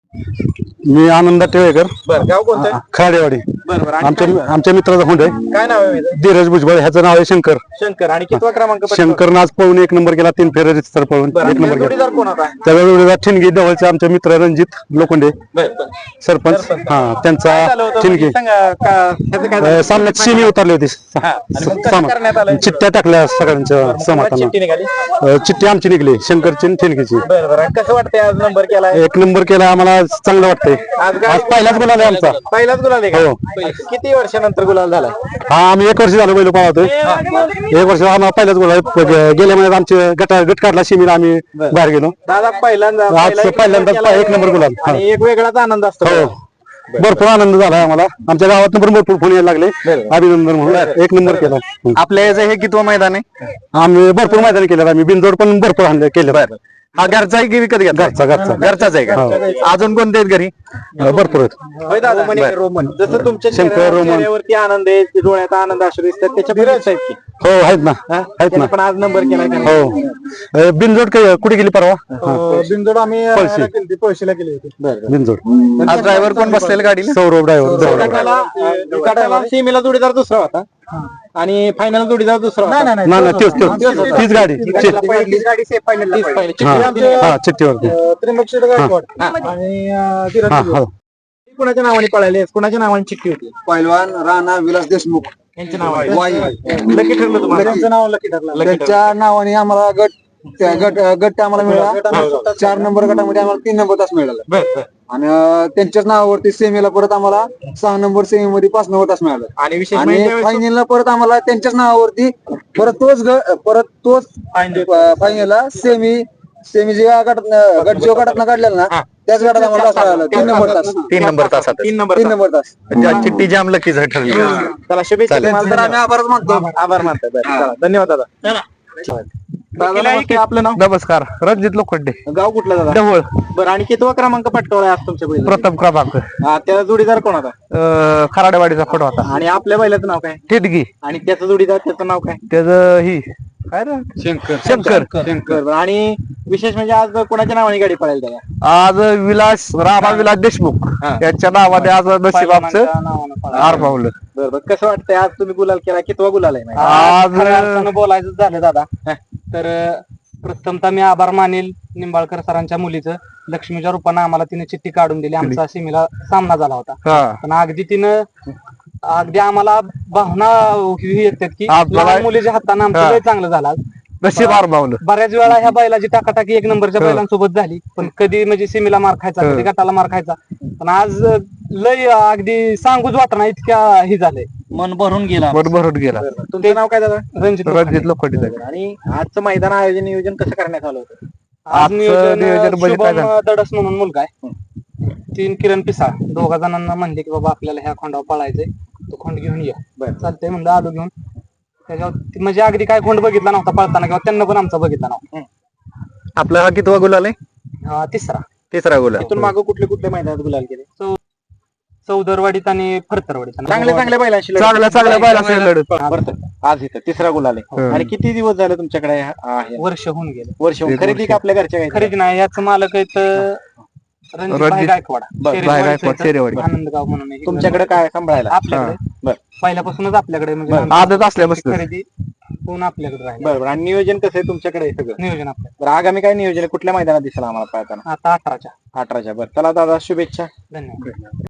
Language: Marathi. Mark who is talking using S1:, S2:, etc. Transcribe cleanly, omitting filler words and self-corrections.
S1: मी आनंद टेळेकर.
S2: बरं, गाव कोणतं?
S1: खाडेवाडी.
S2: बरोबर.
S1: आमच्या मित्राचा हुंड आहे.
S2: काय नाव आहे?
S1: धीरज भुजबळ, ह्याचं नाव आहे शंकर.
S2: शंकर. आणि कितवा क्रमांक पटकावला?
S1: शंकर आज पळून 1 नंबर केला, 3 फेऱ्या रितसर पळून
S2: बरं,
S1: 1
S2: आणि
S1: नंबर केला.
S2: जोडीदार कोण होता?
S1: त्यावेळेला ठिणगी जवळचे आमचे मित्र रणजित लोखंडे
S2: बरं.
S1: सरपंच. त्यांचा
S2: काय झालं होतं?
S1: ठिणगी
S2: म्हणजे सांगा, ह्याचं काय झालं?
S1: सामन्यात शिमी उतरली होती.
S2: आणि मग कसं करण्यात आलं?
S1: चिठ्ठ्या टाकल्या सगळ्यांच्या
S2: कोणाची
S1: समाधाना.
S2: चिठ्ठी निघाली?
S1: चिठ्ठी आमची निघली, शंकरची आणि ठिणगीची.
S2: बरं बरं. आणि कसं वाटतंय आज नंबर केलाय?
S1: 1 नंबर केला, आम्हाला चांगलं वाटतंय. आज पहिलाच गुलाल आहे आमचा.
S2: पहिलाच गुलाल आहे
S1: हो.
S2: का? किती वर्षानंतर गुलाल झालाय?
S1: हा, आम्ही 1 वर्ष झालं बैल पाहतोय. 1 वर्ष आम्हाला पहिलाच गुलाल. गेल्या महिन्यात आमचे गट काढला शिमीला, आम्ही बाहेर गेलो.
S2: दादा पहिल्यांदा
S1: आज पहिल्यांदा 1 नंबर गुलाल.
S2: आणि एक वेगळाच आनंद असतो.
S1: हो, भरपूर आनंद झाला आम्हाला. आमच्या गावात पण भरपूर फोन यायला लागले अभिनंदन म्हणून. 1 नंबर केला.
S2: आपल्या याचं हे कितवं मैदान आहे?
S1: आम्ही भरपूर मैदान केलं. आम्ही बिनजोड पण भरपूर आणले केलं.
S2: हा घरचा आहे की विकत घेतला? घरचाच आहे का? अजून कोणते आहेत घरी?
S1: भरपूर आहेत.
S2: होय दादा. रोमन. जसं तुमच्या
S1: शंकर, रोमन.
S2: चेहऱ्यावरती आनंद आहे, डोळ्यात आनंद असू दिसतात, त्याच्या बिरज आहेत की?
S1: हो, आहेत ना, आहेत ना.
S2: पण आज नंबर केलाय का?
S1: हो. बिनजोड कुठे गेली परवा?
S2: बिनजोड आम्ही
S1: पळशीला
S2: केली होती.
S1: बिनजोड.
S2: आज ड्रायव्हर कोण बसलेला गाडीला?
S1: सौरभ ड्रायव्हर.
S2: सीमेला जोडीदार दुसरा होता आणि फायनल जोडीदार दुसरा होता.
S1: नाही, तीच गाडी. चिठ्ठीवरती.
S2: त्र्यंबकेश्वर गायकवाड आणि धीरज भुजबळ. कुणाच्या नावाने पळाले? कुणाच्या नावाने चिठ्ठी होती?
S3: पैलवान राणा विलास देशमुख
S2: यांच्या नावाने लकी ठरलं तुम्हाला? त्यांचं नाव लकी ठरलं.
S3: त्यांच्या नावाने आम्हाला गट आम्हाला मिळाला. 4 नंबर गटामध्ये आम्हाला 3 नंबर तास मिळाला. आणि त्यांच्याच नावावरती सेमीला परत आम्हाला 6 नंबर सेमीमध्ये 5 नंबर तास मिळाला.
S2: आणि विशेष
S3: आणि
S2: म्हणजे
S3: फायनलला परत आम्हाला त्यांच्याच नावावरती परत तोच फायनलला सेमी जे गट जो गटात काढलेला ना, त्याच गटात आम्हाला तास मिळाला. 3 नंबर तास.
S2: 3 नंबर तासात. 3
S3: नंबर तास.
S2: चिठ्ठी जाम लकीच ठरली. त्याला शुभेच्छा.
S3: तुम्हाला तर आम्ही आभारच मानतो.
S2: आभार मानतो. चला, धन्यवाद दादा. दादा, नमस्ते. आपलं नाव?
S1: नमस्कार, रणजित लोखंडे,
S2: गाव कुठलं दादा?
S1: ढवळ.
S2: बरं, आणि कितवा क्रमांक पटकावलाय आज तुमच्या बैलाने?
S1: प्रथम क्रमांक.
S2: त्याचा जोडीदार कोण होता?
S1: खराडेवाडीचा फोटो होता.
S2: आणि आपल्या बैलाचं नाव काय?
S1: ठिणगी.
S2: आणि त्याचं जोडीदार, त्याचं नाव काय?
S1: त्याचं ही काय रे? शंकर.
S2: बरं. आणि विशेष म्हणजे आज कोणाच्या नावाने गाडी पळायला त्याला?
S1: आज राणा विलास देशमुख यांच्या नावाने आज नशीब आमचं आर पावलं.
S2: बरं. कसं वाटतंय आज तुम्ही गुलाल केला? कितवा गुलाल आहे?
S4: आज बोलायचं झालं दादा तर प्रथमतः मी आभार मानेल निंबाळकर सरांच्या मुलीचं. लक्ष्मीच्या रूपानं आम्हाला तिने चिठ्ठी काढून दिली. आमचा सीमेला सामना झाला होता, पण अगदी आम्हाला भावना येतात की लहान मुलीच्या हाताने आमचं लय चांगलं झालं.
S1: नशीब आर पावलं.
S4: बऱ्याच वेळा ह्या बैलाची टाकाटाकी 1 नंबरच्या बैलांसोबत झाली, पण कधी म्हणजे सीमेला मार खायचा, कधी गटाला मार खायचा. पण आज लय अगदी सांगूच वाटणार इतक्या हे झालंय, मन भरून गेला.
S2: तुमचं नाव काय दादा?
S4: रणजित
S1: लोखंडे.
S2: आणि आजचं मैदान नियोजन कसं करण्यात आलं होतं?
S4: आज नियोजन शुभम दडस म्हणून मुलगा आहे, 3 किरण पिसाळ, 2 जणांना म्हणले की बाबा आपल्याला ह्या खोंडावर पळायचंय, तो खोंड घेऊन या. चालतंय म्हणलं, आलो घेऊन. त्याच्यावर म्हणजे अगदी काय खोंड बघितला नव्हता पळताना, किंवा त्यांना पण आमचा बघितला नव्हता.
S2: आपल्याला कितवा गुलाल आहे?
S4: तिसरा
S2: गुलाल. इथून मागं कुठले मैदानात गुलाल केले?
S4: चौदरवाडीत आणि फरतरवाडीत.
S2: चांगल्या बैलांशी
S1: चांगल्या बैलांशी लढत.
S2: आज इथं तिसरा गुलाल आहे. आणि किती दिवस झाले तुमच्याकडे?
S4: वर्ष होऊन गेले.
S2: वर्ष. खरेदी का आपल्या घरच्या?
S4: खरेदी नाही, याच मालक आहेत रणजित गायकवाड, आनंदगाव म्हणून.
S2: तुमच्याकडे काय सांभाळायला?
S4: आपल्याकडे पहिल्यापासूनच आपल्याकडे म्हणजे
S1: आदत असल्यापासून
S4: खरेदी पूर्ण आपल्याकडे राहील.
S2: बरोबर. आणि नियोजन कसं आहे तुमच्याकडे? सगळं
S4: नियोजन आपलं.
S2: बरं, आगामी काय नियोजन आहे? कुठल्या मैदानात दिसेल आम्हाला पाहताना?
S4: आता 18च्या.
S2: बरं, चला दादा, शुभेच्छा.
S4: धन्यवाद.